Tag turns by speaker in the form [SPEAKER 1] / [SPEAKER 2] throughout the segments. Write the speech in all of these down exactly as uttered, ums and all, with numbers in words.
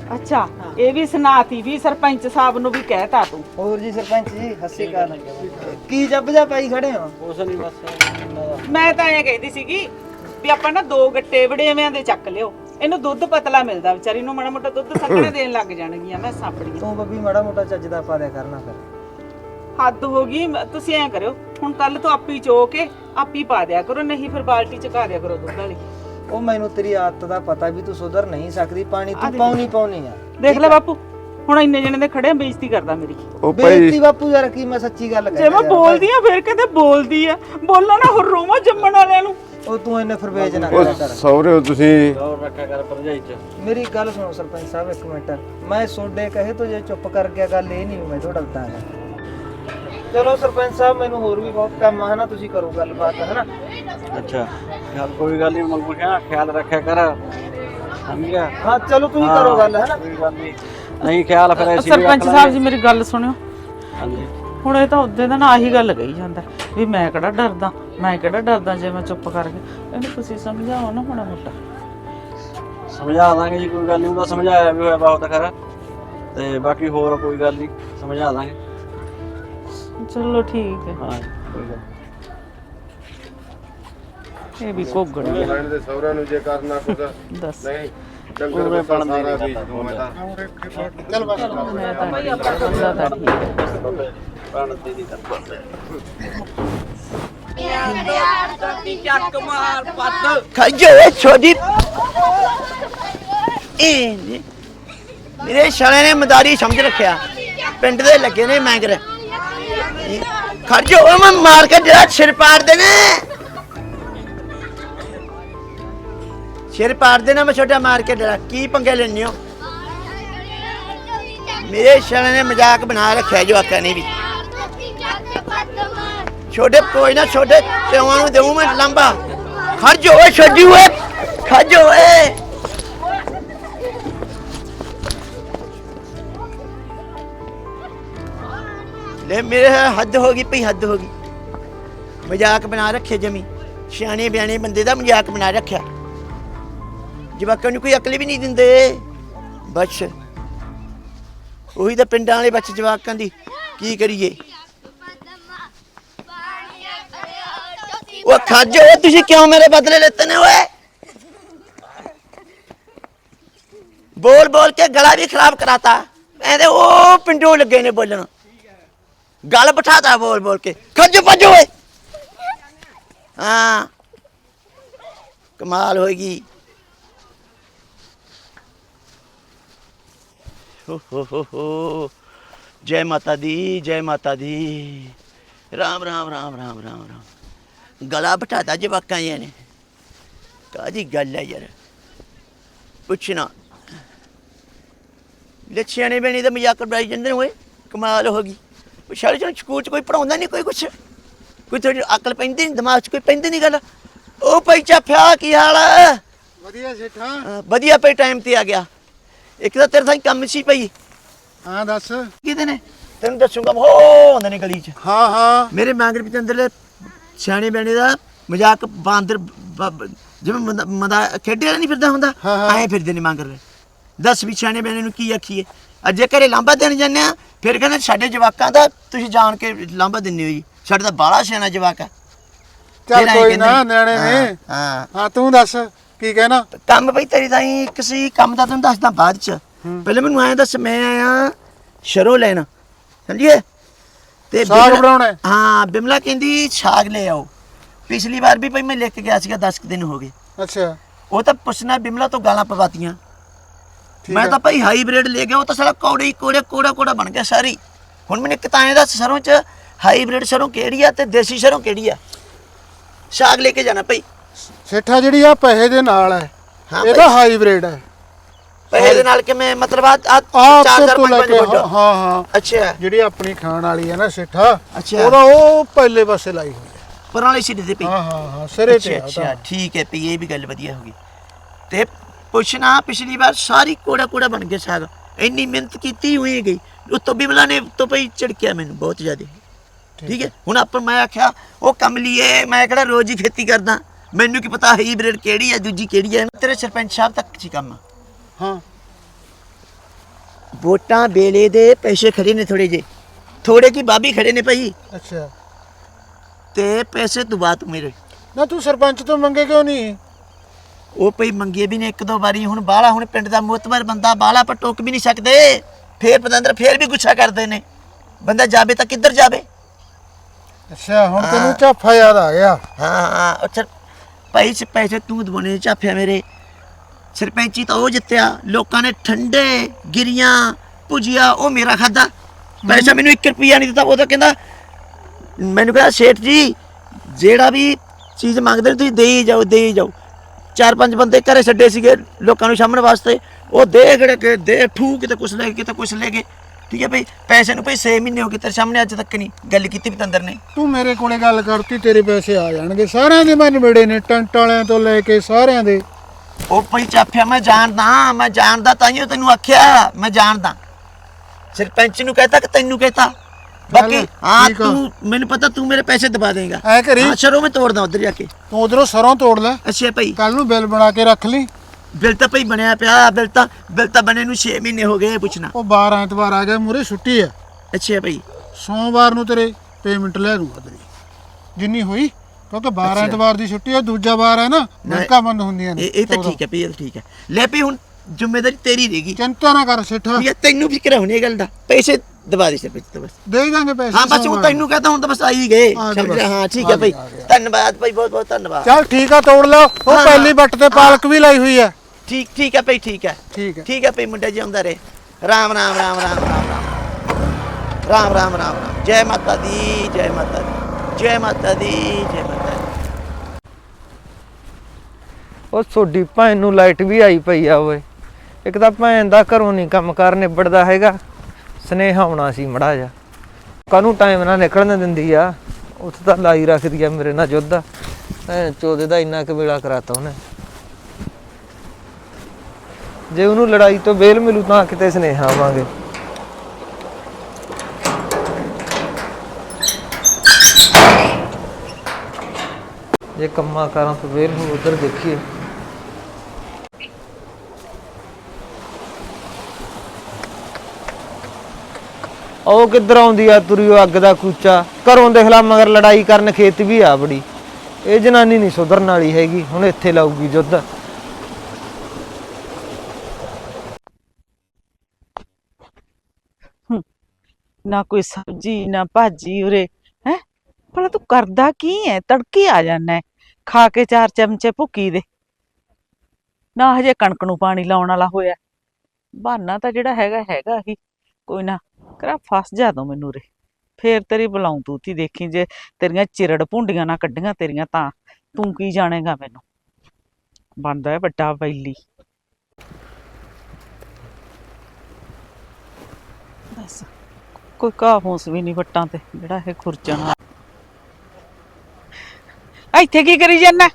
[SPEAKER 1] ਅੱਛਾ ਇਹ ਵੀ ਸੁਣਾਤੀ ਵੀ ਸਰਪੰਚ ਸਾਹਿਬ ਨੂੰ ਵੀ ਕਹਿਤਾ ਤੂੰ।
[SPEAKER 2] ਹੋਰ ਜੀ ਸਰਪੰਚ ਜੀ ਹੱਸੇ ਕਾਲ ਕੀ ਜੱਬ ਜਾ ਪਾਈ ਖੜੇ ਹੋ?
[SPEAKER 3] ਕੁਛ ਨਹੀਂ ਬਸ
[SPEAKER 1] ਮੈਂ ਤਾਂ ਐਂ ਕਹਿੰਦੀ ਸੀਗੀ ਵੀ ਆਪਾਂ ਨਾ ਦੋ ਗੱਟੇ ਵੜੇਵਿਆਂ ਦੇ ਚੱਕ ਲਿਓ, ਇਹਨੂੰ ਦੁੱਧ ਪਤਲਾ ਮਿਲਦਾ ਵਿਚਾਰੀ ਨੂੰ, ਮਾੜਾ ਮੋਟਾ ਦੁੱਧ ਸੱਕਣੇ ਦੇਣ ਲੱਗ ਜਾਣਗੀਆਂ ਮੈਂ ਸਾਪੜੀਆਂ।
[SPEAKER 2] ਤੂੰ ਬੱਬੀ ਮਾੜਾ ਮੋਟਾ ਚੱਜ ਦਾ ਪਾ ਦਿਆ ਕਰਨਾ ਫਿਰ।
[SPEAKER 1] ਹੱਦ ਹੋ ਗਈ, ਤੁਸੀਂ ਐਂ ਕਰਿਓ ਹੁਣ ਕੱਲ ਤੋਂ ਆਪੀ ਚੋ ਕੇ ਆਪੀ ਪਾ ਦਿਆ ਕਰੋ, ਨਹੀਂ ਫਿਰ ਬਾਲਟੀ ਚਕਾ ਦਿਆ ਕਰੋ ਦੁੱਧ ਵਾਲੀ।
[SPEAKER 2] ਉਹ ਮੈਨੂੰ ਤੇਰੀ ਆਦਤ ਦਾ ਪਤਾ ਵੀ ਤੂੰ ਸੁਧਰ ਨਹੀਂ ਸਕਦੀ, ਪਾਣੀ ਤੂੰ ਪਾਉਣੀ ਪਾਉਣੀ ਆ।
[SPEAKER 1] ਦੇਖ ਲੈ ਬਾਪੂ ਹੁਣ ਇੰਨੇ ਜਣੇ ਦੇ ਖੜੇ ਬੇਇੱਜ਼ਤੀ ਕਰਦਾ ਮੇਰੀ।
[SPEAKER 4] ਉਹ
[SPEAKER 2] ਬੇਇੱਜ਼ਤੀ ਬਾਪੂ ਯਾਰ ਕੀ ਮੈਂ ਸੱਚੀ ਗੱਲ
[SPEAKER 1] ਜੇ ਮੈਂ ਬੋਲਦੀ ਆ ਫਿਰ ਕਹਿੰਦੇ ਬੋਲਦੀ ਆ, ਬੋਲਣਾ ਨਾ ਹੋਰ ਰੋਵਾਂ ਜੰਮਣ ਵਾਲਿਆਂ ਨੂੰ।
[SPEAKER 2] ਉਹ ਤੂੰ ਇਹਨੇ ਫਰਵੇਜ ਨਾ ਕਰਿਆ ਕਰ।
[SPEAKER 4] ਸੌਰੇ ਹੋ ਤੁਸੀਂ
[SPEAKER 3] ਗੌਰ ਰੱਖਿਆ ਕਰ ਭਰਜਾਈ ਚ।
[SPEAKER 2] ਮੇਰੀ ਗੱਲ ਸੁਣੋ ਸਰਪੰਚ ਸਾਹਿਬ ਇੱਕ ਮਿੰਟ, ਮੈਂ ਸੋਡੇ ਕਹੇ ਤੋਂ ਜੇ ਚੁੱਪ ਕਰ ਗਿਆ ਗੱਲ ਇਹ ਨਹੀਂ ਮੈਂ ਤੁਹਾਡਾ ਦੱਸਾਂਗਾ। ਚਲੋ ਸਰਪੰਚ ਸਾਹਿਬ ਮੈਨੂੰ ਹੋਰ ਵੀ ਬਹੁਤ ਕੰਮ ਆ, ਹਨਾ ਤੁਸੀਂ ਕਰੋ ਗੱਲਬਾਤ ਹਨਾ।
[SPEAKER 3] ਅੱਛਾ ਚੱਲ ਕੋਈ ਗੱਲ ਨਹੀਂ ਮੰਗੂ ਸਿਆ, ਖਿਆਲ ਰੱਖਿਆ ਕਰ ਸਮਝਿਆ।
[SPEAKER 2] ਹਾਂ ਚਲੋ ਤੁਸੀਂ ਕਰੋ ਗੱਲ ਹਨਾ।
[SPEAKER 3] ਕੋਈ ਗੱਲ ਨਹੀਂ ਨਹੀਂ ਖਿਆਲ ਫਿਰ ਐਸੀ
[SPEAKER 1] ਸਰਪੰਚ ਸਾਹਿਬ ਜੀ ਮੇਰੀ ਗੱਲ ਸੁਣਿਓ,
[SPEAKER 3] ਹਾਂਜੀ
[SPEAKER 1] ਹੁਣ ਇਹ ਤਾਂ ਉਦੋਂ ਦਾ ਨਾ ਆਹੀ ਗੱਲ ਕਹੀ ਜਾਂਦਾ ਵੀ ਮੈਂ ਕਿਹੜਾ ਡਰਦਾ, ਮੈਂ ਕਿਹੜਾ ਡਰਦਾ ਜੇ ਮੈਂ ਚੁੱਪ ਕਰ ਗਿਆ। ਇਹਨੂੰ ਤੁਸੀਂ ਸਮਝਾਓ ਨਾ ਮਾੜਾ ਮੋਟਾ।
[SPEAKER 3] ਸਮਝਾ ਦਾਂਗੇ ਜੀ, ਕੋਈ ਗੱਲ ਨਹੀਂ, ਉਹਦਾ ਸਮਝਾਇਆ ਵੀ ਹੋਇਆ ਬਹੁਤ ਖਰਾ, ਤੇ ਬਾਕੀ ਹੋਰ ਕੋਈ ਗੱਲ ਨਹੀਂ ਸਮਝਾ ਦਾਂਗੇ।
[SPEAKER 1] ਚਲੋ ਠੀਕ ਹੈ।
[SPEAKER 3] ਹਾਂ ਕੋਈ ਗੱਲ
[SPEAKER 1] ਇਹ ਵੀ ਕੋਗੜੀ ਹੈ
[SPEAKER 4] ਲੈਣ ਦੇ ਸੌਰਿਆਂ ਨੂੰ ਜੇ ਕਰਨਾ ਕੁਝ
[SPEAKER 1] ਦੱਸ।
[SPEAKER 4] ਨਹੀਂ ਡੰਗਰ ਦਾ ਸਾਰਾ ਬੀਜ ਦੂੰ ਮੈਂ ਤਾਂ। ਚੱਲ ਬਸ
[SPEAKER 1] ਮੈਂ ਤਾਂ ਭਾਈ ਆਪਾਂ ਬੰਦਾ ਤਾਂ ਠੀਕ ਹੈ।
[SPEAKER 3] ਪਾਣ ਦੇ ਦੀ ਤਾਂ
[SPEAKER 5] ਖੱਜੋ ਏ ਛੋਡੀ ਇਹ ਮੇਰੇ ਸ਼ਾਲੇ ਨੇ ਮਦਾਰੀ ਸਮਝ ਰੱਖਿਆ, ਪਿੰਡ ਦੇ ਲੱਗੇ ਨੇ ਮੈਂਗਰ। ਖਰਜੋ ਮੈਂ ਮਾਰ ਕੇ ਜਿਹੜਾ ਸਿਰ ਪਾੜ ਦੇਣਾ, ਸਿਰ ਪਾੜ ਦੇਣਾ ਮੈਂ ਛੋਟਾ ਮਾਰ ਕੇ ਡਰਾ। ਕੀ ਪੰਗੇ ਲੈਣੇ ਹੋ? ਮੇਰੇ ਸ਼ਾਲੇ ਨੇ ਮਜ਼ਾਕ ਬਣਾ ਰੱਖਿਆ ਜਵਾਕਾਂ ਨੇ ਵੀ। ਛੋਟੇ ਕੋਈ ਨਾ ਛੋਟੇ ਪਿਓਾਂ ਨੂੰ ਦੇਉ ਮੈਂ ਲੰਬਾ। ਖਰਜੋ ਓਏ ਛੱਡੀ ਓਏ, ਖਰਜੋ ਓਏ। ਲੈ ਮੇਰੇ ਹੱਦ ਹੋ ਗਈ ਭਈ, ਹੱਦ ਹੋ ਗਈ। ਮਜ਼ਾਕ ਬਣਾ ਰੱਖਿਆ ਜਮੀ, ਸਿਆਣੇ ਬਿਆਣੇ ਬੰਦੇ ਦਾ ਮਜ਼ਾਕ ਬਣਾ ਰੱਖਿਆ। ਜਵਾਕਾਂ ਨੂੰ ਕੋਈ ਅਕਲ ਵੀ ਨਹੀਂ ਦਿੰਦੇ ਬਸ। ਉਹੀ ਤਾਂ ਪਿੰਡਾਂ ਵਾਲੇ ਬੱਚੇ ਜਵਾਕਾਂ ਦੀ ਕੀ ਕਰੀਏ। ਉਹ ਖਾਜੋ ਤੁਸੀਂ ਕਿਉਂ ਮੇਰੇ ਬਦਲੇ ਲੈਤੇ ਨੇ ਓਏ? ਬੋਲ ਬੋਲ ਕੇ ਗਲਾ ਵੀ ਖਰਾਬ ਕਰਾਤਾ। ਇਹਦੇ ਉਹ ਪਿੰਡੋਂ ਲੱਗੇ ਨੇ ਬੋਲਣ, ਗਲ ਬਿਠਾਤਾ ਬੋਲ ਬੋਲ ਕੇ। ਖੱਜੋ ਭੱਜੋ ਓਏ। ਹਾਂ ਕਮਾਲ ਹੋਏਗੀ। ਹੋ ਹੋ ਹੋ ਹੋ ਜੈ ਮਾਤਾ ਦੀ, ਜੈ ਮਾਤਾ ਦੀ। ਰਾਮ ਰਾਮ ਰਾਮ ਰਾਮ ਰਾਮ ਰਾਮ। ਗਲਾ ਬਿਠਾਤਾ ਜਵਾਕਾਂ ਜਿਹਾ ਨੇ। ਕਾਹਦੀ ਗੱਲ ਹੈ ਯਾਰ, ਪੁੱਛਣਾ। ਲੱਛਿਆਂ ਨੇ ਬਣੀ ਤਾਂ ਮਜ਼ਾਕ ਬਣਾਈ ਜਾਂਦੇ ਹੋਏ, ਕਮਾਲ ਹੋ ਗਈ। ਸਾਰੇ ਜਣ ਸਕੂਲ ਚ ਕੋਈ ਪੜਾਉਂਦਾ ਨਹੀਂ, ਕੋਈ ਕੁਛ ਕੋਈ ਥੋੜੀ ਅਕਲ ਪੈਂਦੀ ਨਹੀਂ, ਦਿਮਾਗ ਚ ਕੋਈ ਪੈਂਦੀ ਨਹੀਂ ਗੱਲ। ਉਹ ਭਾਈ ਚਾਫਿਆ ਕੀ ਹਾਲ ਹੈ?
[SPEAKER 6] ਵਧੀਆ ਸੇਠਾ।
[SPEAKER 5] ਵਧੀਆ ਭਾਈ ਟਾਈਮ ਤੇ ਆ ਗਿਆ। ਇੱਕ ਤਾਂ ਤੇਰੇ ਸਾਈ ਕੰਮ ਸੀ ਭਾਈ।
[SPEAKER 6] ਹਾਂ ਦੱਸ।
[SPEAKER 5] ਕਿਹਦੇ ਨੇ? ਤੈਨੂੰ ਦੱਸੂਗਾ। ਹੋ ਹੁੰਦੇ ਨੇ ਗਲੀ ਚ।
[SPEAKER 6] ਹਾਂ ਹਾਂ
[SPEAKER 5] ਮੇਰੇ ਮਾਂਗਰ ਵਿੱਚ ਅੰਦਰਲੇ ਸਿਆਣੇ ਬੈਣੇ ਦਾ ਮਜ਼ਾਕ ਬਾਂਦਰ ਜਿਵੇਂ ਮਦਾ ਖੇਡਿਆ ਨਹੀਂ ਫਿਰਦਾ ਹੁੰਦਾ, ਐਂ ਫਿਰਦੇ ਨੇ ਮਾਂਗਰ। ਦੱਸ ਵੀ ਸਿਆਣੇ ਬੈਣੇ ਨੂੰ ਕੀ ਆਖੀਏ? ਅੱਜੇ ਘਰੇ ਲਾਂਭਾ ਦੇਣ ਜਾਂਦੇ ਆ, ਫਿਰ ਕਹਿੰਦੇ ਸਾਡੇ ਜਵਾਕਾਂ ਦਾ ਤੁਸੀਂ ਜਾਣ ਕੇ ਲਾਂਭਾ ਦਿੰਦੇ ਹੋ ਜੀ, ਸਾਡਾ ਤਾਂ ਬਾਹਲਾ ਸਿਆਣਾ ਜਵਾਕ ਆ।
[SPEAKER 6] ਚੱਲ ਕੋਈ ਨਾ, ਨਿਆਣੇ ਨੇ।
[SPEAKER 5] ਹਾਂ
[SPEAKER 6] ਹਾਂ ਤੂੰ ਦੱਸ ਕੀ ਕਹਿਣਾ?
[SPEAKER 5] ਕੰਮ ਬਈ ਤੇਰੀ ਤਾਂ ਹੀ ਇੱਕ ਸੀ ਕੰਮ ਦਾ, ਤੈਨੂੰ ਦੱਸਦਾ ਬਾਅਦ ਚ। ਪਹਿਲੇ ਮੈਨੂੰ ਐਂ ਦੱਸ, ਮੈਂ ਆਇਆ ਸ਼ਰੋਂ ਲੈਣ, ਸਮਝੀਏ ਤੇ
[SPEAKER 6] ਸਾਗ ਬਣਾਉਣਾ?
[SPEAKER 5] ਹਾਂ ਬਿਮਲਾ ਕਹਿੰਦੀ ਸਾਗ ਲੈ ਆਓ। ਪਿਛਲੀ ਵਾਰ ਵੀ ਭਾਈ ਮੈਂ ਲਿਖ ਕੇ ਗਿਆ ਸੀਗਾ, ਦਸ ਕੁ ਦਿਨ ਹੋ ਗਏ।
[SPEAKER 6] ਅੱਛਾ
[SPEAKER 5] ਉਹ ਤਾਂ ਪੁੱਛਣਾ ਬਿਮਲਾ ਤੋਂ ਗਾਲਾਂ ਪਵਾਤੀਆਂ। ਮੈਂ ਤਾਂ ਭਾਈ ਹਾਈਬ੍ਰਿਡ ਲੈ ਗਿਆ, ਉਹ ਤਾਂ ਸਾਲਾ ਕੌੜੇ ਕੋੜੇ ਕੋੜਾ ਕੋੜਾ ਬਣ ਗਿਆ ਸਾਰੀ। ਹੁਣ ਮੈਨੂੰ ਇੱਕ ਤਾਂ ਐਂ ਦੱਸ, ਸਰੋਂ ਚ ਹਾਈਬ੍ਰਿਡ ਸਰੋਂ ਕਿਹੜੀ ਆ ਤੇ ਦੇਸੀ ਸਰੋਂ ਕਿਹੜੀ ਆ? ਸਾਗ ਲੈ ਕੇ ਜਾਣਾ ਭਾਈ।
[SPEAKER 6] ਸੇਠਾ ਜਿਹੜੀ ਆ ਪੈਸੇ ਦੇ ਨਾਲ ਹੈ,
[SPEAKER 5] ਹਾਂ
[SPEAKER 6] ਇਹ ਤਾਂ ਹਾਈਬ੍ਰਿਡ ਹੈ।
[SPEAKER 5] ਪੈਸੇ ਦੇ ਨਾਲ ਕਿ ਮੈਂ ਮਤਲਬ ਆ ਚਾਰ
[SPEAKER 6] ਆਹ
[SPEAKER 5] ਚਾਰ
[SPEAKER 6] ਤੋਂ ਲੈ
[SPEAKER 5] ਪੰਜ
[SPEAKER 6] ਕੇ
[SPEAKER 5] ਪੰਜ
[SPEAKER 6] ਹਾਂ ਹਾਂ
[SPEAKER 5] ਅੱਛਾ
[SPEAKER 6] ਜਿਹੜੀ ਆਪਣੀ ਖਾਣ ਵਾਲੀ ਹੈ ਨਾ ਸੇਠਾ,
[SPEAKER 5] ਅੱਛਾ।
[SPEAKER 6] ਉਹਦਾ ਉਹ ਪਹਿਲੇ ਪਾਸੇ ਲਾਈ ਹੋਈ ਹੈ।
[SPEAKER 5] ਪੁਰਾਣੇ ਸਿੱਧੇ ਤੇ ਪਈ।
[SPEAKER 6] ਹਾਂ ਹਾਂ ਹਾਂ ਸਿਰੇ ਤੇ ਆ
[SPEAKER 5] ਅੱਛਾ
[SPEAKER 6] ਉਹਦਾ।
[SPEAKER 5] ਠੀਕ ਹੈ ਪਈ, ਇਹ ਵੀ ਗੱਲ ਵਧੀਆ ਹੋ ਗਈ। ਤੇ ਪੁੱਛਣਾ ਪਿਛਲੀ ਵਾਰ ਸਾਰੀ ਕੋੜਾ ਕੋੜਾ ਬਣ ਗਿਆ ਸਾਗ, ਇੰਨੀ ਮਿਹਨਤ ਕੀਤੀ ਹੋਈ ਗਈ। ਉੱਤੋਂ ਬਿਮਲਾ ਨੇ ਉੱਤੋਂ ਪਈ ਝਿੜਕਿਆ ਮੈਨੂੰ ਬਹੁਤ ਜ਼ਿਆਦਾ। ਠੀਕ ਹੈ ਹੁਣ ਆਪਾਂ ਮੈਂ ਆਖਿਆ ਉਹ ਕੰਮ ਲਈਏ, ਮੈਂ ਕਿਹੜਾ ਰੋਜ਼ ਹੀ ਖੇਤੀ ਕਰਦਾ, ਮੈਨੂੰ ਕੀ ਪਤਾ ਹਾਈਬ੍ਰਿਡ ਕਿਹੜੀ ਹੈ ਦੂਜੀ ਕਿਹੜੀ ਹੈ। ਤੇਰੇ ਸਰਪੰਚ ਸਾਹਿਬ ਤੱਕ ਸੀ ਕੰਮ।
[SPEAKER 6] ਹਾਂ
[SPEAKER 5] ਵੋਟਾਂ ਵੇਲੇ ਦੇ ਪੈਸੇ ਖੜੇ ਨੇ ਥੋੜੇ ਜੇ ਥੋੜੇ ਕੀ ਬਾਬੀ ਖੜੇ ਨੇ ਭਾਈ
[SPEAKER 6] ਅੱਛਾ
[SPEAKER 5] ਤੇ ਪੈਸੇ ਦਵਾ ਤੂੰ ਮੇਰੇ
[SPEAKER 6] ਨਾ ਤੂੰ ਸਰਪੰਚ ਤੋਂ ਮੰਗੇ ਕਿਉਂ ਨਹੀਂ
[SPEAKER 5] ਉਹ ਭਈ ਮੰਗੇ ਵੀ ਨੇ ਇੱਕ ਦੋ ਵਾਰੀ ਹੁਣ ਬਾਹਲਾ ਹੁਣ ਪਿੰਡ ਦਾ ਮੋਤਬਰ ਬੰਦਾ ਬਾਹਲਾ ਪਰ ਟੋਕ ਵੀ ਨਹੀਂ ਸਕਦੇ ਫੇਰ ਪਤੰਦਰ ਫੇਰ ਵੀ ਗੁੱਸਾ ਕਰਦੇ ਨੇ ਬੰਦਾ ਜਾਵੇ ਤਾਂ ਕਿੱਧਰ ਜਾਵੇ
[SPEAKER 6] ਅੱਛਾ ਹੁਣ ਤੈਨੂੰ ਝਾਫਾ ਯਾਦ ਆ ਗਿਆ
[SPEAKER 5] ਹਾਂ ਹਾਂ ਅੱਛਾ ਭਾਈ ਚ ਪੈਸੇ ਤੂੰ ਦਵਾਉਣੇ ਝਾਫਿਆ ਮੇਰੇ ਸਰਪੰਚੀ ਤਾਂ ਉਹ ਜਿੱਤਿਆ ਲੋਕਾਂ ਨੇ ਠੰਡੇ ਗਿਰੀਆਂ ਭੁਜੀਆ ਉਹ ਮੇਰਾ ਖਾਦਾ ਪੈਸਾ ਮੈਨੂੰ ਇੱਕ ਰੁਪਿਆ ਨਹੀਂ ਦਿੱਤਾ ਉਹ ਤਾਂ ਕਹਿੰਦਾ ਮੈਨੂੰ ਕਹਿੰਦਾ ਸੇਠ ਜੀ ਜਿਹੜਾ ਵੀ ਚੀਜ਼ ਮੰਗਦੇ ਨੇ ਤੁਸੀਂ ਦੇ ਹੀ ਜਾਓ ਦੇ ਹੀ ਜਾਓ ਚਾਰ ਪੰਜ ਬੰਦੇ ਘਰੇ ਛੱਡੇ ਸੀਗੇ ਲੋਕਾਂ ਨੂੰ ਸਾਹਮਣੇ ਵਾਸਤੇ ਉਹ ਦੇ ਗੜੇ ਕੇ ਦੇ ਠੂ ਕਿਤੇ ਕੁਛ ਲੈ ਕੇ ਕਿਤੇ ਕੁਛ ਲੈ ਕੇ ਠੀਕ ਹੈ ਭਾਈ ਪੈਸੇ ਨੂੰ ਭਾਈ ਛੇ ਮਹੀਨੇ ਹੋ ਗਏ ਤੇਰੇ ਸਾਹਮਣੇ ਅੱਜ ਤੱਕ ਨਹੀਂ ਗੱਲ ਕੀਤੀ ਪਤੰਦਰ ਨੇ
[SPEAKER 6] ਤੂੰ ਮੇਰੇ ਕੋਲੇ ਗੱਲ ਕਰਤੀ ਤੇਰੇ ਪੈਸੇ ਆ ਜਾਣਗੇ ਸਾਰਿਆਂ ਦੇ ਮੈਂ ਨਿਬੇੜੇ ਨੇ ਟੰਟ ਵਾਲਿਆਂ ਤੋਂ ਲੈ ਕੇ ਸਾਰਿਆਂ ਦੇ
[SPEAKER 5] ਉਹ ਭਾਈ ਚਾਫਿਆ ਮੈਂ ਜਾਣਦਾ ਮੈਂ ਜਾਣਦਾ ਤਾਈਓ ਤੈਨੂੰ ਆਖਿਆ ਮੈਂ ਜਾਣਦਾ ਸਰਪੰਚ ਨੂੰ ਕਹਤਾ ਕਿ ਤੈਨੂੰ ਕਹਤਾ ਬਾਕੀ ਹਾਂ
[SPEAKER 6] ਠੀਕ ਆ।
[SPEAKER 5] ਤੂੰ ਮੈਨੂੰ ਪਤਾ ਤੂੰ ਮੇਰੇ ਪੈਸੇ ਦਬਾ ਦੇਗਾ
[SPEAKER 6] ਐ ਕਰੀ
[SPEAKER 5] ਹਾਂ ਚਲੋ ਮੈਂ ਤੋੜਦਾ ਉਧਰ ਜਾ ਕੇ
[SPEAKER 6] ਤੂੰ ਉਧਰੋਂ ਸਰੋਂ ਤੋੜ ਲੈ
[SPEAKER 5] ਅੱਛਾ ਭਾਈ
[SPEAKER 6] ਕੱਲ ਨੂੰ ਬਿੱਲ ਬਣਾ ਕੇ ਰੱਖ ਲਈ
[SPEAKER 5] ਬਿੱਲ ਤਾਂ ਭਾਈ ਬਣਿਆ ਪਿਆ ਬਿੱਲ ਤਾਂ ਬਿੱਲ ਤਾਂ ਬਣੇ ਨੂੰ ਛੇ ਮਹੀਨੇ ਹੋ ਗਏ ਪੁੱਛਣਾ
[SPEAKER 6] ਉਹ ਬਾਰਾਂ ਐਤਵਾਰ ਆ ਗਿਆ ਮੂਰੇ ਛੁੱਟੀ ਆ
[SPEAKER 5] ਅੱਛਾ ਭਾਈ
[SPEAKER 6] ਸੋਮਵਾਰ ਨੂੰ ਤੇਰੇ ਪੇਮੈਂਟ ਲੈ ਦੂੰਗਾ ਤੇਰੀ ਜਿੰਨੀ ਹੋਈ ਕਿਉਂਕਿ ਬਾਰਾਂ ਐਤਵਾਰ ਦੀ ਛੁੱਟੀ ਆ ਦੂਜਾ ਵਾਰ ਹੈ ਨਾ ਬੈਂਕਾਂ ਬੰਦ ਹੁੰਦੀਆਂ ਨੇ
[SPEAKER 5] ਇਹ ਇਹ ਤਾਂ ਠੀਕ ਹੈ ਭਾਈ ਇਹ ਤਾਂ ਠੀਕ ਹੈ ਲੈ ਭਾਈ ਹੁਣ ਜ਼ਿੰਮੇਵਾਰੀ ਤੇਰੀ ਰਹੇਗੀ
[SPEAKER 6] ਚਿੰਤਾ ਨਾ ਕਰ ਸੇਠਾ
[SPEAKER 5] ਠੀਕ ਹੈ ਤੈਨੂੰ ਫਿਕਰ ਹੋਣੀ ਇਹ ਗੱਲ ਦਾ ਪੈਸੇ ਦਬਾ ਦੇ ਸਰਪੰਚ ਤੋਂ ਬਸ
[SPEAKER 6] ਦੇ ਦਾਂਗੇ ਪੈਸੇ
[SPEAKER 5] ਹਾਂ ਬਸ ਉਹ
[SPEAKER 6] ਸੋਮਵਾਰ
[SPEAKER 5] ਤੈਨੂੰ ਕਹਤਾ ਹੁਣ ਤਾਂ ਬਸ ਆ ਹੀ ਗਏ
[SPEAKER 6] ਆ ਗਏ
[SPEAKER 5] ਸਮਝ
[SPEAKER 6] ਬਸ।
[SPEAKER 5] ਹਾਂ ਠੀਕ ਹੈ ਭਾਈ ਧੰਨਵਾਦ ਭਾਈ ਬਹੁਤ ਬਹੁਤ ਧੰਨਵਾਦ
[SPEAKER 6] ਚੱਲ ਠੀਕ ਆ ਤੋੜ ਲਓ ਉਹ
[SPEAKER 5] ਹਾਂ,
[SPEAKER 6] ਪਹਿਲੀ ਬੱਟ ਤੇ ਪਾਲਕ ਵੀ ਲਾਈ ਹੋਈ ਆ
[SPEAKER 5] ਠੀਕ ਠੀਕ ਹੈ ਭਾਈ ਠੀਕ ਹੈ
[SPEAKER 6] ਠੀਕ ਹੈ
[SPEAKER 5] ਠੀਕ ਹੈ ਭਾਈ ਮੁੰਡਾ ਜੀ ਆਉਂਦਾ ਰਹੇ ਰਾਮ ਰਾਮ ਰਾਮ ਰਾਮ ਰਾਮ ਰਾਮ ਰਾਮ ਰਾਮ ਰਾਮ ਰਾਮ ਜੈ ਮਾਤਾ ਦੀ ਜੈ ਮਾਤਾ ਦੀ ਜੈ ਮਾਤਾ ਦੀ ਜੈ ਮਾਤਾ ਦੀ
[SPEAKER 2] ਉਹ ਤੁਹਾਡੀ ਭੈਣ ਨੂੰ ਲਾਈਟ ਵੀ ਆਈ ਪਈ ਆ ਓਏ ਇੱਕ ਤਾਂ ਭੈਣ ਦਾ ਘਰੋਂ ਨਹੀਂ ਕੰਮ ਕਾਰ ਨਿਬੜਦਾ ਹੈਗਾ ਸਨੇਹਾ ਆਉਣਾ ਸੀ ਮੜਾ ਜਾ ਕਾਹਨੂੰ ਟਾਈਮ ਨਾਲ ਨਿਕਲਣ ਦਿੰਦੀ ਆ ਉੱਥੇ ਤਾਂ ਲਾਈ ਰੱਖਦੀ ਆ ਮੇਰੇ ਨਾਲ ਜੁੱਧ ਭੈਣ ਚੋਦੇ ਦਾ ਇੰਨਾ ਕੁ ਵੇਲਾ ਕਰਾਤਾ ਉਹਨੇ ਜੇ ਉਹਨੂੰ ਲੜਾਈ ਤੋਂ ਬੇਲ ਮਿਲੂ ਤਾਂ ਕਿਤੇ ਸਨੇਹਾ ਆਵਾਂਗੇ ਜੇ ਕੰਮਾਂ ਕਾਰਾਂ ਤੋਂ ਵੇਲ ਨੂੰ ਉਧਰ ਦੇਖੀਏ ਉਹ ਕਿੱਧਰ ਆਉਂਦੀ ਆ ਤੁਰੀ ਉਹ ਅੱਗ ਦਾ ਕੂਚਾ ਘਰੋਂ ਦੇਖ ਲਾ ਮਗਰ ਲੜਾਈ ਕਰਨ ਖੇਤ ਵੀ ਆ ਬੜੀ ਇਹ ਜਨਾਨੀ ਨਹੀਂ ਸੁਧਰਨ ਵਾਲੀ ਹੈਗੀ ਹੁਣ ਇੱਥੇ ਲਾਊਗੀ ਜੁੱਧ
[SPEAKER 1] ਨਾ ਕੋਈ ਸਬਜ਼ੀ ਨਾ ਭਾਜੀ ਉਰੇ ਹੈ ਭਲਾ ਤੂੰ ਕਰਦਾ ਕੀ ਹੈ ਤੜਕੇ ਆ ਜਾਣਾ ਹੈ ਖਾ ਕੇ ਚਾਰ ਚਮਚੇ ਭੁੱਕੀ ਦੇ ਨਾ ਹਜੇ ਕਣਕ ਨੂੰ ਪਾਣੀ ਲਾਉਣ ਵਾਲਾ ਹੋਇਆ ਬਹਾਨਾ ਤਾਂ ਜਿਹੜਾ ਹੈਗਾ ਹੈਗਾ ਹੀ ਕੋਈ ਨਾ ਕਰਾ ਫਸ ਜਾ ਦੋ ਮੈਨੂੰ ਰੇ ਫੇਰ ਤੇਰੀ ਬੁਲਾਉਂ ਤੂੰ ਤੀ ਦੇਖੀ ਜੇ ਤੇਰੀਆਂ ਚਿਰੜ ਭੁੰਡੀਆਂ ਨਾ ਕੱਢੀਆਂ ਤੇਰੀਆਂ ਤਾਂ ਤੂੰ ਕੀ ਜਾਣੇਗਾ ਮੈਨੂੰ ਬਣਦਾ ਹੈ ਵੱਡਾ ਬੈਲੀ ਦੱਸ ਕੋਈ ਘਾਹ ਫੂਸ ਵੀ ਨਹੀਂ ਵੱਟਾਂ ਤੇ ਜਿਹੜਾ ਇਹ ਖੁਰਚਣਾ ਇੱਥੇ ਕੀ ਕਰੀ ਜਾਂਦਾ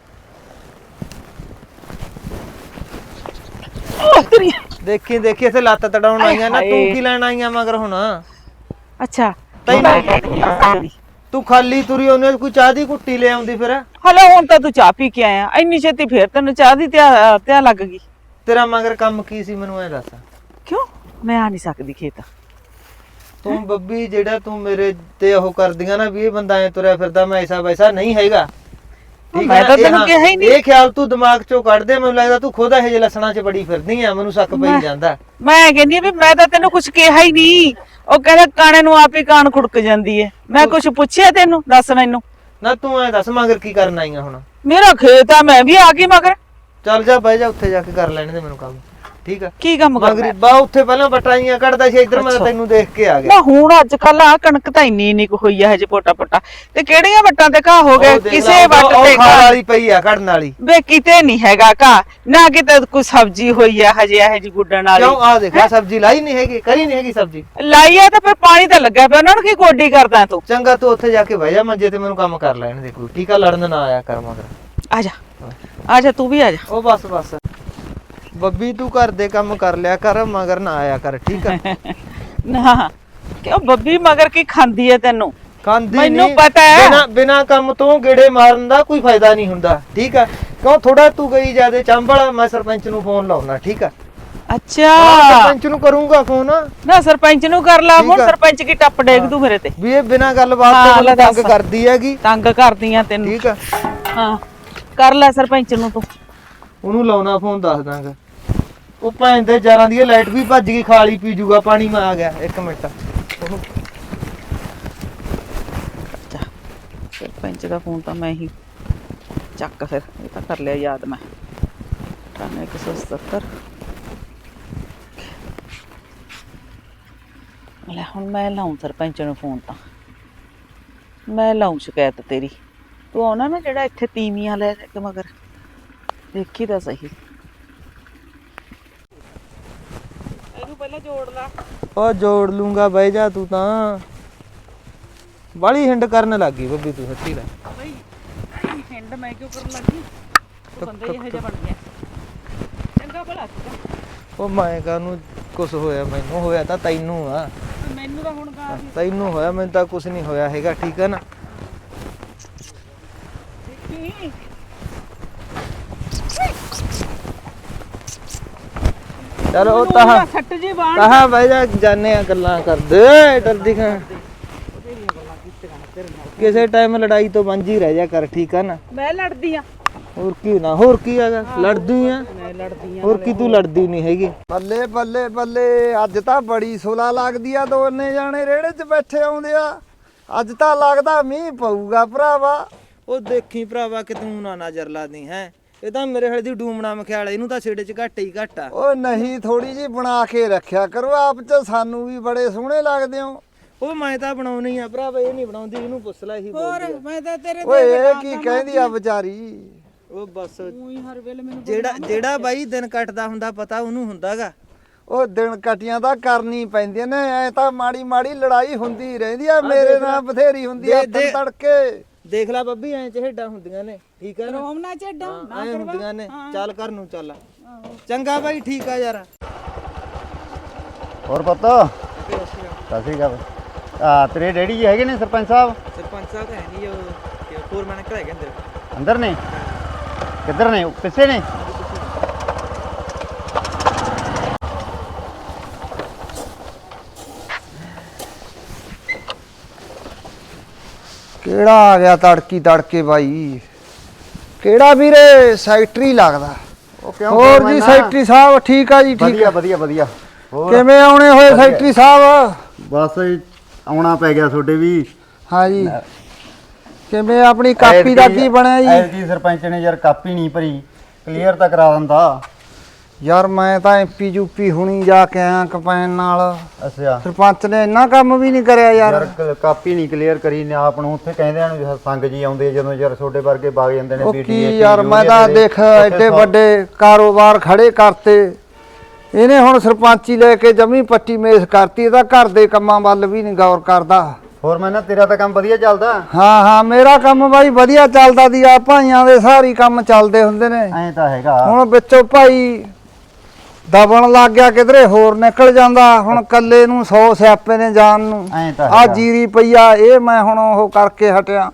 [SPEAKER 1] ਉਹ ਤੇਰੀ
[SPEAKER 2] ਦੇਖੀ ਦੇਖੀ ਇੱਥੇ ਲੱਤ ਤੜਾਉਣ ਆਈਆਂ ਨਾ ਤੂੰ
[SPEAKER 1] ਹਾਏ।
[SPEAKER 2] ਕੀ ਲੈਣ ਆਈਆਂ ਮਗਰ ਹੁਣ
[SPEAKER 1] ਅੱਛਾ
[SPEAKER 2] ਤੈਨੂੰ ਤੂੰ ਖਾਲੀ ਤੁਰੀ ਉਹਨੇ ਕੋਈ ਚਾਹ ਦੀ ਘੁੱਟੀ ਲੈ ਆਉਂਦੀ ਫਿਰ
[SPEAKER 1] ਹਲੋ ਹੁਣ ਤਾਂ ਤੂੰ ਚਾਹ ਪੀ ਕੇ ਆਇਆ ਇੰਨੀ ਛੇਤੀ ਫੇਰ ਤੈਨੂੰ ਚਾਹ ਦੀ ਤਿਆ ਤਿਆ ਲੱਗ ਗਈ
[SPEAKER 2] ਤੇਰਾ ਮਗਰ ਕੰਮ ਕੀ ਸੀ ਮੈਨੂੰ ਐ ਦੱਸ
[SPEAKER 1] ਕਿਉਂ ਮੈਂ ਆ ਨਹੀਂ ਸਕਦੀ ਖੇਤ
[SPEAKER 2] ਤੂੰ ਬੱਬੀ ਜਿਹੜਾ ਤੂੰ ਮੇਰੇ ਤੇ ਉਹ ਕਰਦੀਆਂ ਨਾ ਵੀ ਇਹ ਬੰਦਾ ਐ ਤੁਰਿਆ ਫਿਰਦਾ ਮੈਂ ਐਸਾ ਵੈਸਾ ਨਹੀਂ ਹੈਗਾ ਠੀਕ
[SPEAKER 1] ਮੈਂ
[SPEAKER 2] ਹੈ
[SPEAKER 1] ਤਾਂ
[SPEAKER 2] ਇਹ
[SPEAKER 1] ਤੈਨੂੰ
[SPEAKER 2] ਹਾਂ,
[SPEAKER 1] ਕਿਹਾ ਹੀ ਨਹੀਂ
[SPEAKER 2] ਇਹ ਖਿਆਲ ਤੂੰ ਦਿਮਾਗ ਚੋਂ ਕੱਢ ਦੇ ਮੈਨੂੰ ਲੱਗਦਾ ਤੂੰ ਖੁਦ ਇਹ ਜਿਹੇ ਲੱਛਣਾਂ 'ਚ ਬੜੀ ਫਿਰਦੀ ਆ ਮੈਨੂੰ ਸ਼ੱਕ ਪਈ ਜਾਂਦਾ
[SPEAKER 1] ਮੈਂ ਕਹਿੰਦੀ ਆ ਵੀ ਮੈਂ ਤਾਂ ਤੈਨੂੰ ਕੁਝ ਕਿਹਾ ਹੀ ਨਹੀਂ ਉਹ ਕਹਿੰਦਾ ਕਾਣੇ ਨੂੰ ਆਪ ਹੀ ਕਾਨ ਖੁੜਕ ਜਾਂਦੀ ਹੈ ਮੈਂ ਕੁਝ ਪੁੱਛਿਆ ਤੈਨੂੰ ਦੱਸ ਮੈਨੂੰ
[SPEAKER 2] ਨਾ ਤੂੰ ਐ ਦੱਸ ਮਗਰ ਕੀ ਕਰਨ ਆਈਆਂ ਹੁਣ
[SPEAKER 1] ਮੇਰਾ ਖੇਤ ਆ ਮੈਂ ਵੀ ਆ ਗਈ ਮਗਰ
[SPEAKER 2] ਚੱਲ ਜਾ ਬਹਿ ਜਾ ਉੱਥੇ ਜਾ ਕੇ ਕਰ ਲੈਣ ਦੇ ਮੈਨੂੰ ਕੰਮ ਠੀਕ ਆ
[SPEAKER 1] ਕੀ ਕੰਮ
[SPEAKER 2] ਮਗਰੀ
[SPEAKER 1] ਕਰਨਾ
[SPEAKER 2] ਬਾ ਉੱਥੇ ਪਹਿਲਾਂ ਬਟਾਈਆਂ ਕੱਢਦਾ ਸੀ ਇੱਧਰ ਮੈਂ ਤੈਨੂੰ ਦੇਖ ਕੇ ਆ ਗਿਆ
[SPEAKER 1] ਨਾ ਹੁਣ ਅੱਜ ਕੱਲ ਆ ਕਣਕ ਤਾਂ ਇੰਨੀ ਇੰਨੀ ਕੁ ਹੋਈ ਆ ਹਜੇ ਪੋਟਾ ਪੋਟਾ ਤੇ ਕਿਹੜੀਆਂ ਵੱਟਾਂ ਤੇ ਘਾਹ ਹੋ ਗਏ
[SPEAKER 2] ਉਹ ਦੇਖ
[SPEAKER 1] ਕਿਸੇ
[SPEAKER 2] ਲਾ,
[SPEAKER 1] ਵੱਟ
[SPEAKER 2] ਉਹ
[SPEAKER 1] ਤੇ
[SPEAKER 2] ਖਾਣ
[SPEAKER 1] ਘਾਹ
[SPEAKER 2] ਵਾਲੀ ਪਈ ਆ ਕੱਢਣ ਵਾਲੀ
[SPEAKER 1] ਵੇ ਕਿਤੇ ਨਹੀਂ ਹੈਗਾ ਘਾਹ ਨਾ ਕਿਤੇ ਕੋਈ ਸਬਜ਼ੀ ਹੋਈ ਆ ਹਜੇ ਇਹ ਜੀ ਗੁੱਡਣ ਵਾਲੀ
[SPEAKER 2] ਕਿਉਂ ਆ ਦੇਖ ਆ ਸਬਜ਼ੀ ਲਾਈ ਨਹੀਂ ਹੈਗੀ ਕਰੀ ਨਹੀਂ ਹੈਗੀ ਸਬਜ਼ੀ
[SPEAKER 1] ਲਾਈ ਆ ਤਾਂ ਫਿਰ ਪਾਣੀ ਤਾਂ ਲੱਗਾ ਪਿਆ ਉਹਨਾਂ ਨੂੰ ਕੀ ਗੋਡੀ ਕਰਦਾ ਤੂੰ
[SPEAKER 2] ਚੰਗਾ ਤੂੰ ਉੱਥੇ ਜਾ ਕੇ ਬਹਿ ਜਾ ਮੰਜੇ ਤੇ ਮੈਨੂੰ ਕੰਮ ਕਰ ਲੈਣ ਦੇ ਕੋਈ ਟੀਕਾ ਲੜਨ ਨਾ ਆਇਆ ਕਰ ਮਗਰ
[SPEAKER 1] ਆ ਜਾ ਆ ਜਾ ਤੂੰ ਵੀ ਆ ਜਾ
[SPEAKER 2] ਉਹ ਬਸ ਬਸ ਬੱਬੀ ਤੂੰ ਘਰ ਦੇ ਕੰਮ ਕਰ ਲਿਆ ਕਰ ਮਗਰ ਨਾ ਆਇਆ ਕਰ ਠੀਕ ਆ
[SPEAKER 1] ਨਾ ਕਿਉਂ ਬੱਬੀ ਮਗਰ ਕੀ ਖਾਂਦੀ ਐ ਤੈਨੂੰ
[SPEAKER 2] ਖਾਂਦੀ
[SPEAKER 1] ਮੈਨੂੰ
[SPEAKER 2] ਨੀ,
[SPEAKER 1] ਪਤਾ ਹੈ।
[SPEAKER 2] ਬਿਨਾਂ ਬਿਨਾਂ ਕੰਮ ਤੋਂ ਗੇੜੇ ਮਾਰਨ ਦਾ ਕੋਈ ਫਾਇਦਾ ਨਹੀਂ ਹੁੰਦਾ ਠੀਕ ਆ ਕਿਉਂ ਥੋੜਾ ਤੂੰ ਗਈ ਜਿਆਦੇ ਚੰਬਲ ਮੈਂ ਸਰਪੰਚ ਨੂੰ ਫੋਨ ਲਾਉਣਾ ਠੀਕ ਆ
[SPEAKER 1] ਅੱਛਾ
[SPEAKER 2] ਸਰਪੰਚ ਨੂੰ ਕਰੂੰਗਾ ਫੋਨ
[SPEAKER 1] ਨਾ ਸਰਪੰਚ ਨੂੰ ਕਰ ਲਾ
[SPEAKER 2] ਠੀਕ
[SPEAKER 1] ਹੁਣ
[SPEAKER 2] ਆ।
[SPEAKER 1] ਸਰਪੰਚ ਕੀ ਟੱਪ ਡੇਗ ਤੂੰ ਮੇਰੇ ਤੇ
[SPEAKER 2] ਵੀ ਇਹ ਬਿਨਾਂ ਗੱਲਬਾਤ
[SPEAKER 1] ਹਾਂ,
[SPEAKER 2] ਤੋਂ
[SPEAKER 1] ਲੈ
[SPEAKER 2] ਮੈਨੂੰ ਤੰਗ
[SPEAKER 1] ਦੱਸ।
[SPEAKER 2] ਕਰਦੀ ਹੈਗੀ।
[SPEAKER 1] ਤੰਗ ਕਰਦੀਆਂ ਤੈਨੂੰ
[SPEAKER 2] ਠੀਕ ਆ
[SPEAKER 1] ਹਾਂ ਕਰ ਲੈ ਸਰਪੰਚ ਨੂੰ ਤੂੰ
[SPEAKER 2] ਉਹਨੂੰ ਲਾਉਣਾ ਫੋਨ ਦੱਸ ਦਾਂਗਾ। ਉਹ ਭੈਣ ਦੇ ਜਾਰਾਂ ਦੀ ਲਾਈਟ ਵੀ ਭੱਜ ਗਈ, ਖਾਲੀ ਪੀ ਜੂਗਾ ਪਾਣੀ। ਮੈਂ ਆ ਗਿਆ ਇੱਕ ਮਿੰਟ। ਉਹਨੂੰ
[SPEAKER 1] ਸਰਪੰਚ ਦਾ ਫੋਨ ਤਾਂ ਮੈਂ ਹੀ ਚੱਕ ਫਿਰ ਇਹ ਤਾਂ ਕਰ ਲਿਆ ਯਾਦ ਮੈਂ ਅਠਾਨਵੇਂ ਇੱਕ ਸੌ ਸਤੱਤਰ ਲੈ ਹੁਣ ਮੈਂ ਲਾਉਂ ਸਰਪੰਚ ਨੂੰ ਫੋਨ ਤਾਂ ਮੈਂ ਲਾਉਂ ਸ਼ਿਕਾਇਤ ਤੇਰੀ ਤੂੰ ਆਉਣਾ ਨਾ ਜਿਹੜਾ ਇੱਥੇ ਤੀਵੀਆਂ ਲੈ ਕੇ ਮਗਰ ਦੇਖੀ ਤਾਂ ਸਹੀ ਇਹਨੂੰ ਪਹਿਲਾਂ ਜੋੜ ਲਾ
[SPEAKER 2] ਉਹ ਜੋੜ ਲੂੰਗਾ, ਬਹਿ ਜਾ ਤੂੰ ਤਾਂ। ਬਾਲੀ ਹਿੰਡ ਕਰਨ ਲੱਗੀ ਬੱਬੀ ਤੂੰ, ਸੱਚੀ ਲੈ।
[SPEAKER 1] ਬਈ ਹਿੰਡ ਮੈਂ ਕਿਉਂ ਕਰਨ ਲੱਗੀ ਤੂੰ ਬੰਦਾ ਹੀ ਇਹੋ ਜਿਹਾ ਬਣ ਗਿਆ ਚੰਗਾ ਭਲਾ ਸੀਗਾ
[SPEAKER 2] ਉਹ ਮੈਂ ਕਾਹਨੂੰ ਕੁਛ ਹੋਇਆ, ਮੈਨੂੰ ਹੋਇਆ ਤਾਂ ਤੈਨੂੰ ਆ।
[SPEAKER 1] ਮੈਨੂੰ ਤਾਂ ਹੁਣ ਗਾ
[SPEAKER 2] ਤੈਨੂੰ ਹੋਇਆ, ਮੈਨੂੰ ਤਾਂ ਕੁਛ ਨਹੀਂ ਹੋਇਆ ਹੈਗਾ, ਠੀਕ ਹੈ ਨਾ।
[SPEAKER 1] ਦੇਖੀ
[SPEAKER 2] ਚਲ ਉਹ ਤਾਂ
[SPEAKER 1] ਸੱਟ ਜੀ ਬਾਣ
[SPEAKER 2] ਕਹਾ ਬਹਿ ਜਾ, ਜਾਨੇ ਆ ਗੱਲਾਂ ਕਰਦੇ ਡਰਦੀ ਖਾਂ। ਕਿਸੇ ਟਾਈਮ ਲੜਾਈ ਤੋਂ ਵਾਂਝੀ ਰਹਿ ਜਾ ਕਰ, ਠੀਕ ਆ ਨਾ।
[SPEAKER 1] ਮੈਂ ਲੜਦੀ ਆ
[SPEAKER 2] ਹੋਰ ਕੀ ਨਾ, ਹੋਰ ਕੀ ਹੈਗਾ, ਲੜਦੀ ਆ।
[SPEAKER 1] ਮੈਂ ਲੜਦੀ ਆ
[SPEAKER 2] ਹੋਰ ਕੀ ਤੂੰ ਲੜਦੀ ਨਹੀਂ ਹੈਗੀ।
[SPEAKER 7] ਬੱਲੇ ਬੱਲੇ ਬੱਲੇ, ਅੱਜ ਤਾਂ ਬੜੀ ਸੁਲਾ ਲੱਗਦੀ ਆ। ਦੋਨੇ ਜਾਣੇ ਰੇੜੇ 'ਚ ਬੈਠੇ ਆਉਂਦੇ ਆ। ਅੱਜ ਤਾਂ ਲੱਗਦਾ ਮੀਂਹ ਪਊਗਾ ਭਰਾਵਾ।
[SPEAKER 2] ਉਹ ਦੇਖੀ ਭਰਾਵਾ ਕਿ ਤੂੰ ਨਾ ਨਜ਼ਰ ਲਾਦੀ ਹੈ। ਇਹ ਤਾਂ ਮੇਰੇ ਹਲੇ ਦੀ ਡੂਮਣਾ ਮਖਿਆਲ, ਇਹਨੂੰ ਤਾਂ ਛੇੜੇ 'ਚ ਘੱਟ ਹੀ ਘੱਟ ਆ।
[SPEAKER 7] ਉਹ ਨਹੀਂ, ਥੋੜੀ ਜੀ ਬਣਾ ਕੇ ਰੱਖਿਆ ਕਰੋ ਆਪ 'ਚ, ਸਾਨੂੰ ਵੀ ਬੜੇ ਸੋਹਣੇ ਲੱਗਦੇ ਹੋ।
[SPEAKER 2] ਉਹ ਮੈਂ ਤਾਂ ਬਣਾਉਣੀ ਆ ਭਰਾਵਾ, ਇਹ ਨਹੀਂ ਬਣਾਉਂਦੀ, ਇਹਨੂੰ ਪੁੱਛ ਲੈ। ਇਹੀ ਬੋਲਦੀ ਆ।
[SPEAKER 1] ਮੈਂ ਤਾਂ ਤੇਰੇ
[SPEAKER 7] ਓਏ ਇਹ ਕੀ ਕਹਿੰਦੀ ਆ ਵਿਚਾਰੀ।
[SPEAKER 2] ਉਹ ਬਸ
[SPEAKER 1] ਉਹੀ ਹਰ ਵੇਲੇ ਮੈਨੂੰ
[SPEAKER 2] ਜਿਹੜਾ ਜਿਹੜਾ ਬਾਈ ਦਿਨ ਕੱਟਦਾ ਹੁੰਦਾ ਪਤਾ ਉਹਨੂੰ ਹੁੰਦਾਗਾ।
[SPEAKER 7] ਉਹ ਦਿਨ ਕਟੀਆਂ ਤਾਂ ਕਰਨੀ ਪੈਂਦੀਆਂ ਨੇ, ਐ ਤਾਂ ਮਾੜੀ ਮਾੜੀ ਲੜਾਈ ਹੁੰਦੀ ਰਹਿੰਦੀ ਆ। ਮੇਰੇ ਨਾਲ ਬਥੇਰੀ ਹੁੰਦੀ ਆ
[SPEAKER 2] ਦੇ-
[SPEAKER 7] ਤੜਕੇ।
[SPEAKER 2] ਦੇਖ ਲੈ ਬੱਬੀ, ਐਂ ਚਿਹੜਾ ਹੁੰਦੀਆਂ ਨੇ, ਠੀਕ ਆ ਨਾ।
[SPEAKER 1] ਰੋਮਨਾ ਚੱਡਾ
[SPEAKER 2] ਹਾਂ, ਐਂ ਹੁੰਦੀਆਂ ਨੇ। ਚੱਲ ਘਰ ਨੂੰ ਚੱਲ। ਚੰਗਾ ਬਾਈ, ਠੀਕ ਆ ਯਾਰ।
[SPEAKER 4] ਹੋਰ ਪਤਾ ਸਸੀ ਗਾ ਆ ਤੇਰੇ ਡੈਡੀ ਜੀ ਹੈਗੇ ਨੇ ਸਰਪੰਚ ਸਾਹਿਬ?
[SPEAKER 2] ਸਰਪੰਚ ਸਾਹਿਬ ਤਾਂ ਹੈ ਨਹੀਂ, ਉਹ ਫੋਰਮੈਨ ਘਰ ਹੈਗੇ ਅੰਦਰ।
[SPEAKER 4] ਅੰਦਰ ਨੇ? ਕਿੱਧਰ ਨੇ? ਪਿੱਛੇ ਨੇ?
[SPEAKER 7] ਕਿਹੜਾ ਆ ਗਿਆ ਤੜਕੀ ਤੜਕੇ ਬਾਈ? ਕਿਹੜਾ ਵੀਰੇ? ਸੈਕਟਰੀ ਲੱਗਦਾ।
[SPEAKER 4] ਉਹ ਕਿਉਂ?
[SPEAKER 7] ਹੋਰ ਜੀ ਸੈਕਟਰੀ ਸਾਹਿਬ ਠੀਕ ਆ ਜੀ? ਠੀਕ
[SPEAKER 4] ਵਧੀਆ
[SPEAKER 7] ਆ।
[SPEAKER 4] ਵਧੀਆ ਵਧੀਆ। ਹੋਰ
[SPEAKER 7] ਕਿਵੇਂ ਆਉਣੇ ਹੋਏ ਸੈਕਟਰੀ ਸਾਹਿਬ?
[SPEAKER 4] ਬਸ ਆਉਣਾ ਪੈ ਗਿਆ ਤੁਹਾਡੇ ਵੀ।
[SPEAKER 7] ਹਾਂ ਜੀ। ਕਿਵੇਂ ਆਪਣੀ ਕਾਪੀ ਦਾ ਕੀ ਬਣਿਆ ਜੀ?
[SPEAKER 4] ਐਤਕੀ ਸਰਪੰਚ ਨੇ ਯਾਰ ਕਾਪੀ ਨਹੀਂ ਭਰੀ, ਕਲੀਅਰ ਤਾਂ ਕਰਾ ਦਿੰਦਾ।
[SPEAKER 7] ਯਾਰ ਮੈਂ ਤਾਂ ਐਮਪੀ ਯੂਪੀ ਹੁਣੀ ਜਾ ਕੇ ਆਇਆ ਕੰਪੈਨ ਨਾਲ।
[SPEAKER 4] ਅੱਛਾ
[SPEAKER 7] ਸਰਪੰਚ ਨੇ ਇੰਨਾ ਕੰਮ ਵੀ ਨਹੀਂ ਕਰਿਆ ਯਾਰ।
[SPEAKER 4] ਯਾਰ ਕ- ਕਾਪੀ ਨਹੀਂ ਕਲੀਅਰ ਕਰੀ ਨੇ ਆਪ ਨੂੰ। ਉੱਥੇ ਕਹਿੰਦੇ ਹਨ ਵੀ ਸੰਗ ਜੀ ਆਉਂਦੇ ਜਦੋਂ ਯਾਰ ਤੁਹਾਡੇ ਵਰਗੇ ਵਗ ਜਾਂਦੇ ਨੇ
[SPEAKER 7] ਉਹ
[SPEAKER 4] ਪੀਟੀਏ
[SPEAKER 7] ਕੀ ਯਾਰ, ਮੈਂ ਤਾਂ ਦੇਖ ਐਡੇ ਵੱਡੇ ਕਾਰੋਬਾਰ ਖੜੇ ਕਰਤੇ, ਇਹਨੇ ਹੁਣ ਸਰਪੰਚੀ ਲੈ ਕੇ ਜਮੀ ਪੱਟੀ ਮੇਸ ਕਰਤੀ। ਇਹਦਾ ਘਰ ਦੇ ਕੰਮਾਂ ਵੱਲ ਵੀ ਨਹੀਂ ਗੌਰ ਕਰਦਾ।
[SPEAKER 4] ਹੋਰ ਮੈਂ ਨਾ ਤੇਰਾ ਤਾਂ ਕੰਮ ਵਧੀਆ ਚੱਲਦਾ।
[SPEAKER 7] ਹਾਂ ਹਾਂ, ਮੇਰਾ ਕੰਮ ਬਾਈ ਵਧੀਆ ਚੱਲਦਾ ਦੀ ਆ। ਭਾਈਆਂ ਦੇ ਸਾਰੀ ਕੰਮ ਚੱਲਦੇ ਹੁੰਦੇ ਨੇ।
[SPEAKER 4] ਐਂ ਤਾਂ ਹੈਗਾ।
[SPEAKER 7] ਹੁਣ ਵਿੱਚੋਂ ਭਾਈ ਦਬਣ ਲੱਗ ਗਿਆ, ਕਿਧਰੇ ਹੋਰ ਨਿਕਲ ਜਾਂਦਾ। ਹੁਣ ਕੱਲੇ ਨੂੰ ਸੌ ਸਿਆਪੇ ਨੇ ਜਾਣ ਨੂੰ।
[SPEAKER 4] ਐਂ ਤਾਂ
[SPEAKER 7] ਆ
[SPEAKER 4] ਹੈਗਾ।
[SPEAKER 7] ਜੀਰੀ ਪਈਆ, ਇਹ ਮੈਂ ਹੁਣ ਉਹ ਕਰਕੇ ਹਟਿਆ।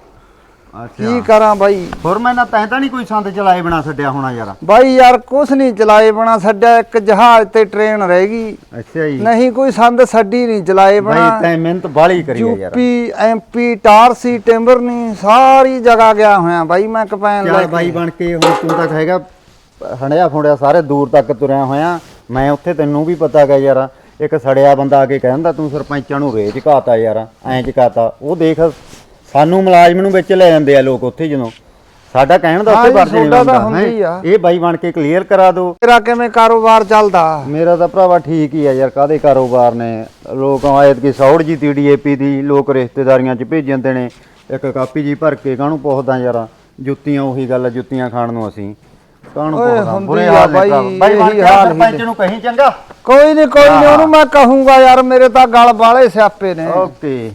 [SPEAKER 7] ਕੀ ਕਰਾਂ ਬਾਈ?
[SPEAKER 4] ਹੋਰ ਮੈਂ ਨਾ ਤੈਂ ਤਾਂ ਨਹੀਂ ਕੋਈ ਸੰਦ ਚਲਾਏ ਬਣਾ ਛੱਡਿਆ ਹੋਣਾ ਯਾਰ?
[SPEAKER 7] ਬਾਈ ਯਾਰ ਕੁਛ ਨਹੀਂ ਚਲਾਏ ਬਣਾ ਛੱਡਿਆ। ਇੱਕ ਜਹਾਜ਼ ਤੇ ਟ੍ਰੇਨ ਰਹਿ ਗਈ,
[SPEAKER 4] ਅੱਛਾ ਜੀ।
[SPEAKER 7] ਨਹੀਂ ਕੋਈ ਸੰਦ ਛੱਡੀ ਨਹੀਂ ਚਲਾਏ
[SPEAKER 4] ਬਾਈ
[SPEAKER 7] ਬਣਾ।
[SPEAKER 4] ਤੈਂ ਮਿਹਨਤ ਬਾਹਲੀ ਕਰੀ ਆ ਯਾਰ।
[SPEAKER 7] ਯੂਪੀ ਐਮਪੀ ਟਾਰਸੀ ਟਿੰਬਰਨੀ ਸਾਰੀ ਜਗ੍ਹਾ ਗਿਆ ਹੋਇਆ ਬਾਈ ਮੈਂ ਕੰਪੈਨ ਲੈ
[SPEAKER 4] ਚੱਲ
[SPEAKER 7] ਕੇ।
[SPEAKER 4] ਬਾਈ ਬਣ ਕੇ ਹੁਣ ਤੂੰ ਤਾਂ ਹੈਗਾ ਹੰਡਿਆ ਫੁੰਡਿਆ ਸਾਰੇ ਦੂਰ ਤੱਕ ਤੁਰਿਆ ਹੋਇਆ। ਮੈਂ ਉੱਥੇ ਤੈਨੂੰ ਵੀ ਪਤਾ ਗਾ ਯਾਰ, ਇੱਕ ਸੜਿਆ ਬੰਦਾ ਆ ਕੇ ਕਹਿੰਦਾ ਤੂੰ ਸਰਪੰਚਾਂ ਨੂੰ ਰੇਚ ਘਾਤਾ ਯਾਰ, ਐਂ ਚਕਾਤਾ। ਉਹ ਦੇਖ ਸਾਨੂੰ ਮੁਲਾਜ਼ਮ ਨੂੰ ਵਿੱਚ ਲੈ ਜਾਂਦੇ ਆ ਲੋਕ ਉੱਥੇ, ਜਦੋਂ ਸਾਡਾ ਕਹਿਣ ਦਾ ਉੱਥੇ ਵਰਜ ਨਹੀਂ ਹੁੰਦਾ। ਇਹ ਬਾਈ ਬਣ ਕੇ ਕਲੀਅਰ ਕਰਾ ਦਿਓ।
[SPEAKER 7] ਤੇਰਾ ਕਿਵੇਂ ਕਾਰੋਬਾਰ ਚੱਲਦਾ?
[SPEAKER 4] ਮੇਰਾ ਤਾਂ ਭਰਾਵਾ ਠੀਕ ਹੀ ਆ ਯਾਰ। ਕਾਹਦੇ ਕਾਰੋਬਾਰ ਨੇ? ਲੋਕ ਆਇਤ ਕੀ ਸੌੜ ਜੀ ਤੀ ਡੀਏਪੀ ਦੀ ਲੋਕ ਰਿਸ਼ਤੇਦਾਰੀਆਂ 'ਚ ਭੇਜ ਜਾਂਦੇ ਨੇ। ਇੱਕ ਕਾਪੀ ਜੀ ਭਰ ਕੇ ਕਾਹਨੂੰ ਪੁੱਛਦਾ ਯਾਰ? ਜੁੱਤੀਆਂ ਉਹੀ ਗੱਲ, ਜੁੱਤੀਆਂ ਖਾਣ ਨੂੰ ਅਸੀਂ ਕਾਹਨੂੰ
[SPEAKER 7] ਓਏ
[SPEAKER 4] ਪੁੱਛਦਾ?
[SPEAKER 7] ਹੁੰਦੀ
[SPEAKER 4] ਬੁਰੇ
[SPEAKER 7] ਆ
[SPEAKER 4] ਹਾਲ ਨੇ
[SPEAKER 7] ਬਾਈ,
[SPEAKER 4] ਭਰਾਵਾ। ਬਾਈ ਬਣ
[SPEAKER 7] ਇਹੀ
[SPEAKER 4] ਕੇ
[SPEAKER 7] ਹਾਲ
[SPEAKER 4] ਸਰਪੰਚ
[SPEAKER 7] ਹੀ
[SPEAKER 4] ਨੂੰ ਕਹੀਂ ਚੰਗਾ।
[SPEAKER 7] ਕੋਈ ਨਹੀਂ ਕੋਈ ਨਹੀਂ, ਉਹਨੂੰ ਮੈਂ ਕਹੂੰਗਾ ਯਾਰ, ਮੇਰੇ ਤਾਂ ਗਲ ਬਾਲੇ ਸਿਆਪੇ ਨੇ।
[SPEAKER 4] ਓਕੇ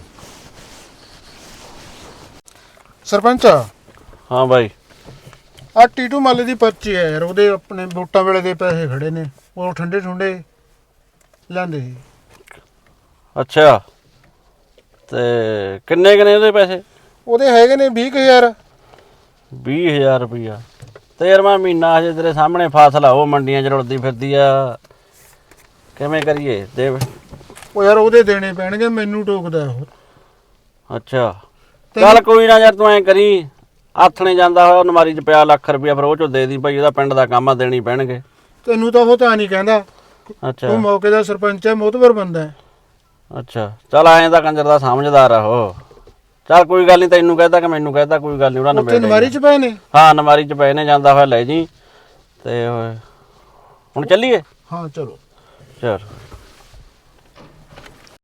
[SPEAKER 6] ਸਰਪੰਚ
[SPEAKER 3] ਹਾਂ ਬਾਈ
[SPEAKER 6] ਆ ਟੀਟੂ ਮਾਲੇ ਦੀ ਪਰਚੀ ਹੈ ਯਾਰ, ਉਹਦੇ ਆਪਣੇ ਵੋਟਾਂ ਵੇਲੇ ਦੇ ਪੈਸੇ ਖੜੇ ਨੇ, ਉਹ ਠੰਡੇ ਠੁੰਡੇ ਲੈਂਦੇ ਸੀ।
[SPEAKER 3] ਅੱਛਾ ਤੇ ਕਿੰਨੇ ਕਿੰਨੇ ਉਹਦੇ ਪੈਸੇ?
[SPEAKER 6] ਉਹਦੇ ਹੈਗੇ ਨੇ ਵੀਹ ਕੁ ਹਜ਼ਾਰ।
[SPEAKER 3] ਵੀਹ ਹਜ਼ਾਰ ਰੁਪਈਆ ਤੇ ਯਾਰ ਮੈਂ ਮਹੀਨਾ ਹਜੇ ਤੇਰੇ ਸਾਹਮਣੇ ਫਾਸਲਾ ਉਹ ਮੰਡੀਆਂ 'ਚ ਰੁਲਦੀ ਫਿਰਦੀ ਆ ਕਿਵੇਂ ਕਰੀਏ ਦੇ
[SPEAKER 6] ਉਹ ਯਾਰ ਉਹਦੇ ਦੇਣੇ ਪੈਣਗੇ, ਮੈਨੂੰ ਟੋਕਦਾ ਉਹ।
[SPEAKER 3] ਅੱਛਾ ਚੱਲ ਕੋਈ ਨਾ ਯਾਰ, ਤੂੰ ਐਂ ਕਰੀ ਆਥਣੇ ਜਾਂਦਾ ਹੋਇਆ ਅਲਮਾਰੀ 'ਚ ਪਿਆ ਲੱਖ ਰੁਪਇਆ, ਫਿਰ ਉਹ 'ਚੋਂ ਦੇ ਦੀ ਭਾਈ, ਉਹਦਾ ਪਿੰਡ ਦਾ ਕੰਮ ਆ, ਦੇਣੀ ਪੈਣਗੇ।
[SPEAKER 6] ਤੈਨੂੰ ਤਾਂ ਉਹ ਤਾਂ ਨਹੀਂ ਕਹਿੰਦਾ,
[SPEAKER 3] ਅੱਛਾ
[SPEAKER 6] ਤੂੰ ਮੌਕੇ ਦਾ ਸਰਪੰਚ ਹੈ, ਮੋਤਬਰ ਬੰਦਾ ਹੈ।
[SPEAKER 3] ਅੱਛਾ ਚੱਲ ਐਂ ਤਾਂ ਕੰਜਰ ਦਾ ਸਮਝਦਾਰ ਆ ਉਹ। ਚੱਲ ਕੋਈ ਗੱਲ ਨਹੀਂ, ਤੈਨੂੰ ਕਹਿਤਾ ਕਿ ਮੈਨੂੰ ਕਹਿਤਾ, ਕੋਈ ਗੱਲ ਨਹੀਂ, ਉਹਨਾਂ
[SPEAKER 6] ਉੱਥੇ ਨਮਾਰੀ ਚ ਪਏ ਨੇ।
[SPEAKER 3] ਹਾਂ ਅਲਮਾਰੀ 'ਚ ਪਏ ਨੇ, ਜਾਂਦਾ ਹੋਇਆ ਲੈ ਜੀ। ਤੇ ਹੁਣ ਚੱਲੀਏ?
[SPEAKER 6] ਹਾਂ ਚਲੋ।
[SPEAKER 3] ਚਲ